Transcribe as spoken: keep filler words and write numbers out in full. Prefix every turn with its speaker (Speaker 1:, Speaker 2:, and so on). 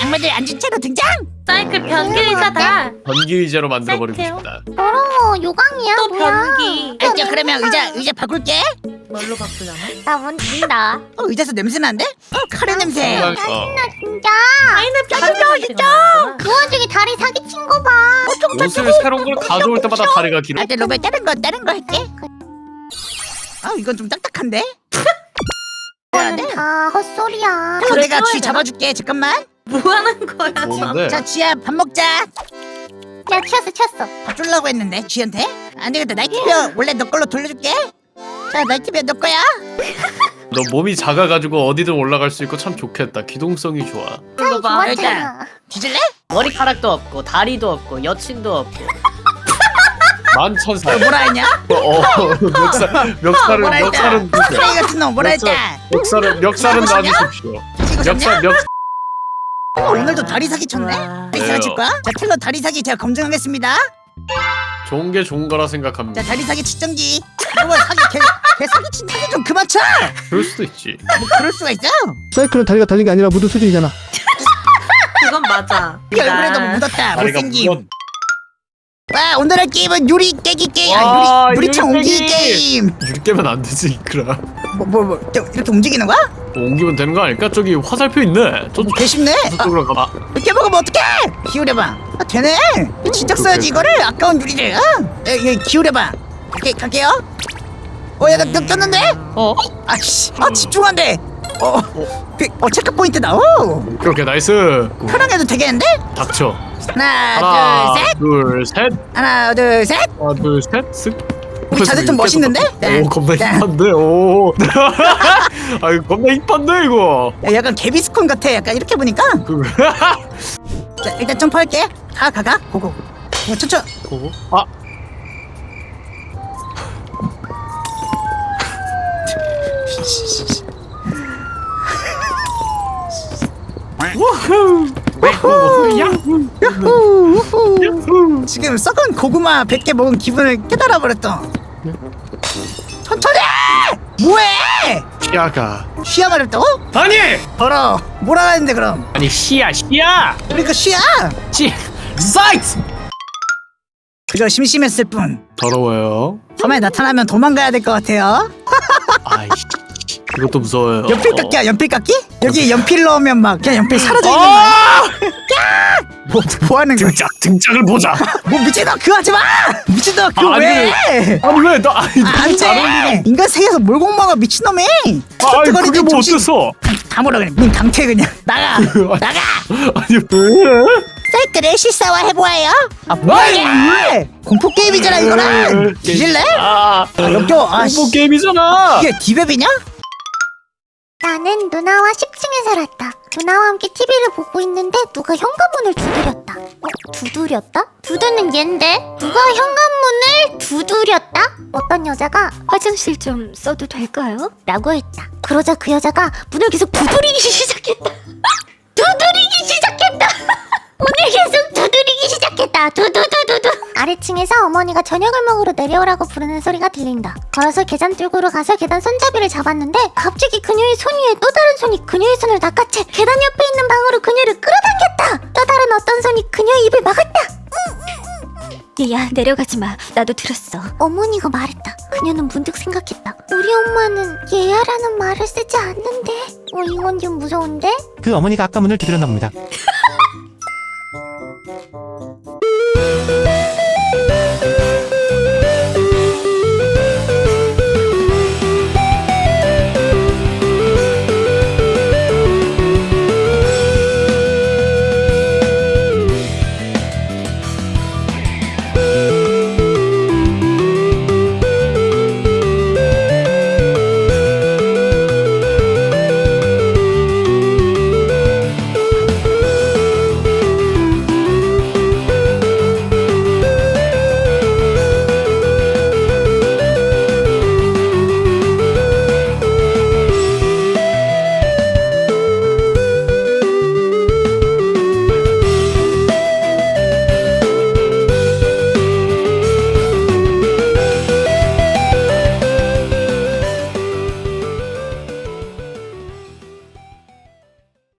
Speaker 1: 악마들 앉은 채로 등장.
Speaker 2: 사이클 변기 의자다.
Speaker 3: 변기 의자로 만들어버리고
Speaker 2: 사이클요?
Speaker 3: 싶다.
Speaker 4: 더러워 요강이야.
Speaker 2: 또
Speaker 4: 뭐야.
Speaker 2: 변기.
Speaker 1: 알죠? 그러면 의자 의자 바꿀게.
Speaker 2: 뭘로 바꾸려나?
Speaker 4: 나 뭔진다.
Speaker 1: 어, 의자에서 냄새 나는데? 어, 카레 냄새.
Speaker 3: 어.
Speaker 4: 짜증나 진짜.
Speaker 2: 파인애플
Speaker 1: 짜증나, 진짜.
Speaker 4: 그 와중에 다리 사기친 거 봐.
Speaker 3: 옷을 새로운 걸 가져올 때마다 다리가 길어.
Speaker 1: 아, 네, 로베 다른 거 다른 거 할게. 아, 이건 좀 딱딱한데?
Speaker 4: 이거는 다 헛소리야.
Speaker 1: 그럼 내가
Speaker 2: 키워야
Speaker 1: 쥐
Speaker 2: 되나?
Speaker 1: 잡아줄게. 잠깐만.
Speaker 2: 뭐 하는 거야 지금?
Speaker 3: 뭔데?
Speaker 1: 자, 쥐야 밥 먹자.
Speaker 4: 야 튀었어 튀었어.
Speaker 1: 밥 주려고 했는데 쥐한테? 안 되겠다. 나이트비어 원래 너 걸로 돌려줄게. 자, 나이트비어 너 거야.
Speaker 3: 너 몸이 작아가지고 어디든 올라갈 수 있고 참 좋겠다. 기동성이 좋아.
Speaker 2: 이거 봐.
Speaker 4: 좋았잖아.
Speaker 1: 뒤질래?
Speaker 5: 머리카락도 없고 다리도 없고 여친도 없고
Speaker 3: 만천살.
Speaker 1: 뭐라 했냐?
Speaker 3: 어, 멱살, 멱살은,
Speaker 1: 뭐라 했다?
Speaker 3: 멱살은
Speaker 1: 쓰레기
Speaker 3: 주세요.
Speaker 1: 같은 놈 뭐라 했다?
Speaker 3: 멱살은, 멱살은
Speaker 1: 뭐냐?
Speaker 3: 놔주십시오.
Speaker 1: 이거
Speaker 3: 멱살,
Speaker 1: 졌냐?
Speaker 3: 멱,
Speaker 1: 어, 오늘도 다리 사기 쳤네?
Speaker 2: 와.
Speaker 1: 다리 사기 칠 거야? 자, 텔러 다리 사기 제가 검증하겠습니다.
Speaker 3: 좋은 게 좋은 거라 생각합니다.
Speaker 1: 자, 다리 사기 측정기. 이거 사기 개, 개 사기 친 사기 좀 그만 쳐.
Speaker 3: 그럴 수도 있지.
Speaker 1: 뭐 그럴 수가 있어?
Speaker 6: 사이클은 다리가 달린 게 아니라 무드 수준이잖아.
Speaker 2: 그건 맞아.
Speaker 1: 이 얼굴에도 묻었다.
Speaker 3: 다리가
Speaker 1: 못생김.
Speaker 3: 무건.
Speaker 1: 와, 오늘 할 게임은 유리 깨기 게임.
Speaker 3: 와,
Speaker 1: 아, 유리 유리창
Speaker 3: 유리
Speaker 1: 옮기기
Speaker 3: 깨기.
Speaker 1: 게임.
Speaker 3: 유리 깨면 안 되지, 이크라.
Speaker 1: 뭐 뭐 뭐 이렇게 움직이는 거야?
Speaker 3: 뭐 옮기면 되는 거 아닐까? 저기 화살표 있네. 저,
Speaker 1: 개 쉽네. 아,
Speaker 3: 저쪽으로 가봐.
Speaker 1: 이렇게 먹으면 어떡해? 기울여봐. 아, 되네. 진작 써야지 이거를. 아까운 유리를. 어? 에, 에, 기울여봐. 이렇게 갈게요. 어, 야, 나 꼈는데?
Speaker 3: 어?
Speaker 1: 아씨, 아 집중한대. 어, 그, 어 체크 포인트다. 오,
Speaker 3: 그렇게 나이스.
Speaker 1: 편하게도 되겠는데?
Speaker 3: 닥쳐.
Speaker 1: 하나,
Speaker 3: 하나,
Speaker 1: 둘, 셋.
Speaker 3: 둘, 셋.
Speaker 1: 하나, 둘, 셋.
Speaker 3: 하나, 둘, 셋. 쓱.
Speaker 1: 우리 자세 좀 멋있는데?
Speaker 3: 오, 겁나
Speaker 1: 자.
Speaker 3: 힙한데. 오. 아유, 겁나 힙한데 이거.
Speaker 1: 야, 약간 개비스콘 같아. 약간 이렇게 보니까.
Speaker 3: 그.
Speaker 1: 자, 일단 점프할게. 가, 가, 가. 고고. 어, 천천.
Speaker 3: 고고. 아. 우후. 야후.
Speaker 1: 우후, 우후. 지금 썩은 고구마 백 개 먹은 기분을 깨달아 버렸어. 천천히! 뭐해?
Speaker 3: 시야가.
Speaker 1: 쉬야 말했다고?
Speaker 3: 아니.
Speaker 1: 더러. 뭐라 하는데 그럼?
Speaker 3: 아니 시야 시야.
Speaker 1: 그러니까 쉬야.
Speaker 3: 시. 사이트.
Speaker 1: 그저 심심했을 뿐.
Speaker 3: 더러워요.
Speaker 1: 밤에 나타나면 도망가야 될 것 같아요.
Speaker 3: 아이씨. 이것도 무서워요.
Speaker 1: 연필 깎기야, 연필 깎기? 여기 연필 넣으면 막 그냥 연필 사라져 있는 거야.
Speaker 3: 아!
Speaker 1: 뭐, 뭐 하는 거야?
Speaker 3: 등짝 등짝을 보자.
Speaker 1: 뭐 미친놈 그거 하지 마! 미친놈 그거
Speaker 3: 아, 아니,
Speaker 1: 왜?
Speaker 3: 아니 왜 나? 아니
Speaker 1: 아, 안
Speaker 3: 너무 잘
Speaker 1: 돼!
Speaker 3: 어울리네.
Speaker 1: 인간 세계에서 뭘 공부하고 미친놈이!
Speaker 3: 아, 아니
Speaker 1: 뜨거리는
Speaker 3: 그게 뭐
Speaker 1: 정신-
Speaker 3: 어땠어?
Speaker 1: 다 몰라 그냥 문 강퇴 그냥 나가! 나가!
Speaker 3: 아니 왜?
Speaker 1: 사이클을 실사화해보아요? 아 뭐야 왜? 공포게임이잖아 이거는! 뒤질래?
Speaker 3: 아,
Speaker 1: 아 역겨워 아씨
Speaker 3: 공포 게임이잖아.
Speaker 1: 이게 디베비냐?
Speaker 4: 나는 누나와 십 층에 살았다. 누나와 함께 티비를 보고 있는데 누가 현관문을 두드렸다. 어? 두드렸다? 두드는 얜데? 누가 현관문을 두드렸다? 어떤 여자가 화장실 좀 써도 될까요? 라고 했다. 그러자 그 여자가 문을 계속 두드리기 시작했다. 두드리기 시작했다. 문을 계속 두드리기 시작했다. 두두두두두. 아래층에서 어머니가 저녁을 먹으러 내려오라고 부르는 소리가 들린다. 걸어서 계단 뚫고로 가서 계단 손잡이를 잡았는데 갑자기 그녀의 손 위에 또 다른 손이 그녀의 손을 낚아채 계단 옆에 있는 방으로 그녀를 끌어당겼다. 또 다른 어떤 손이 그녀의 입을 막았다. 야 내려가지 마. 나도 들었어. 어머니가 말했다. 그녀는 문득 생각했다. 우리 엄마는 얘야라는 말을 쓰지 않는데. 어 이건 좀 무서운데?
Speaker 6: 그 어머니가 아까 문을 두드렸나 봅니다.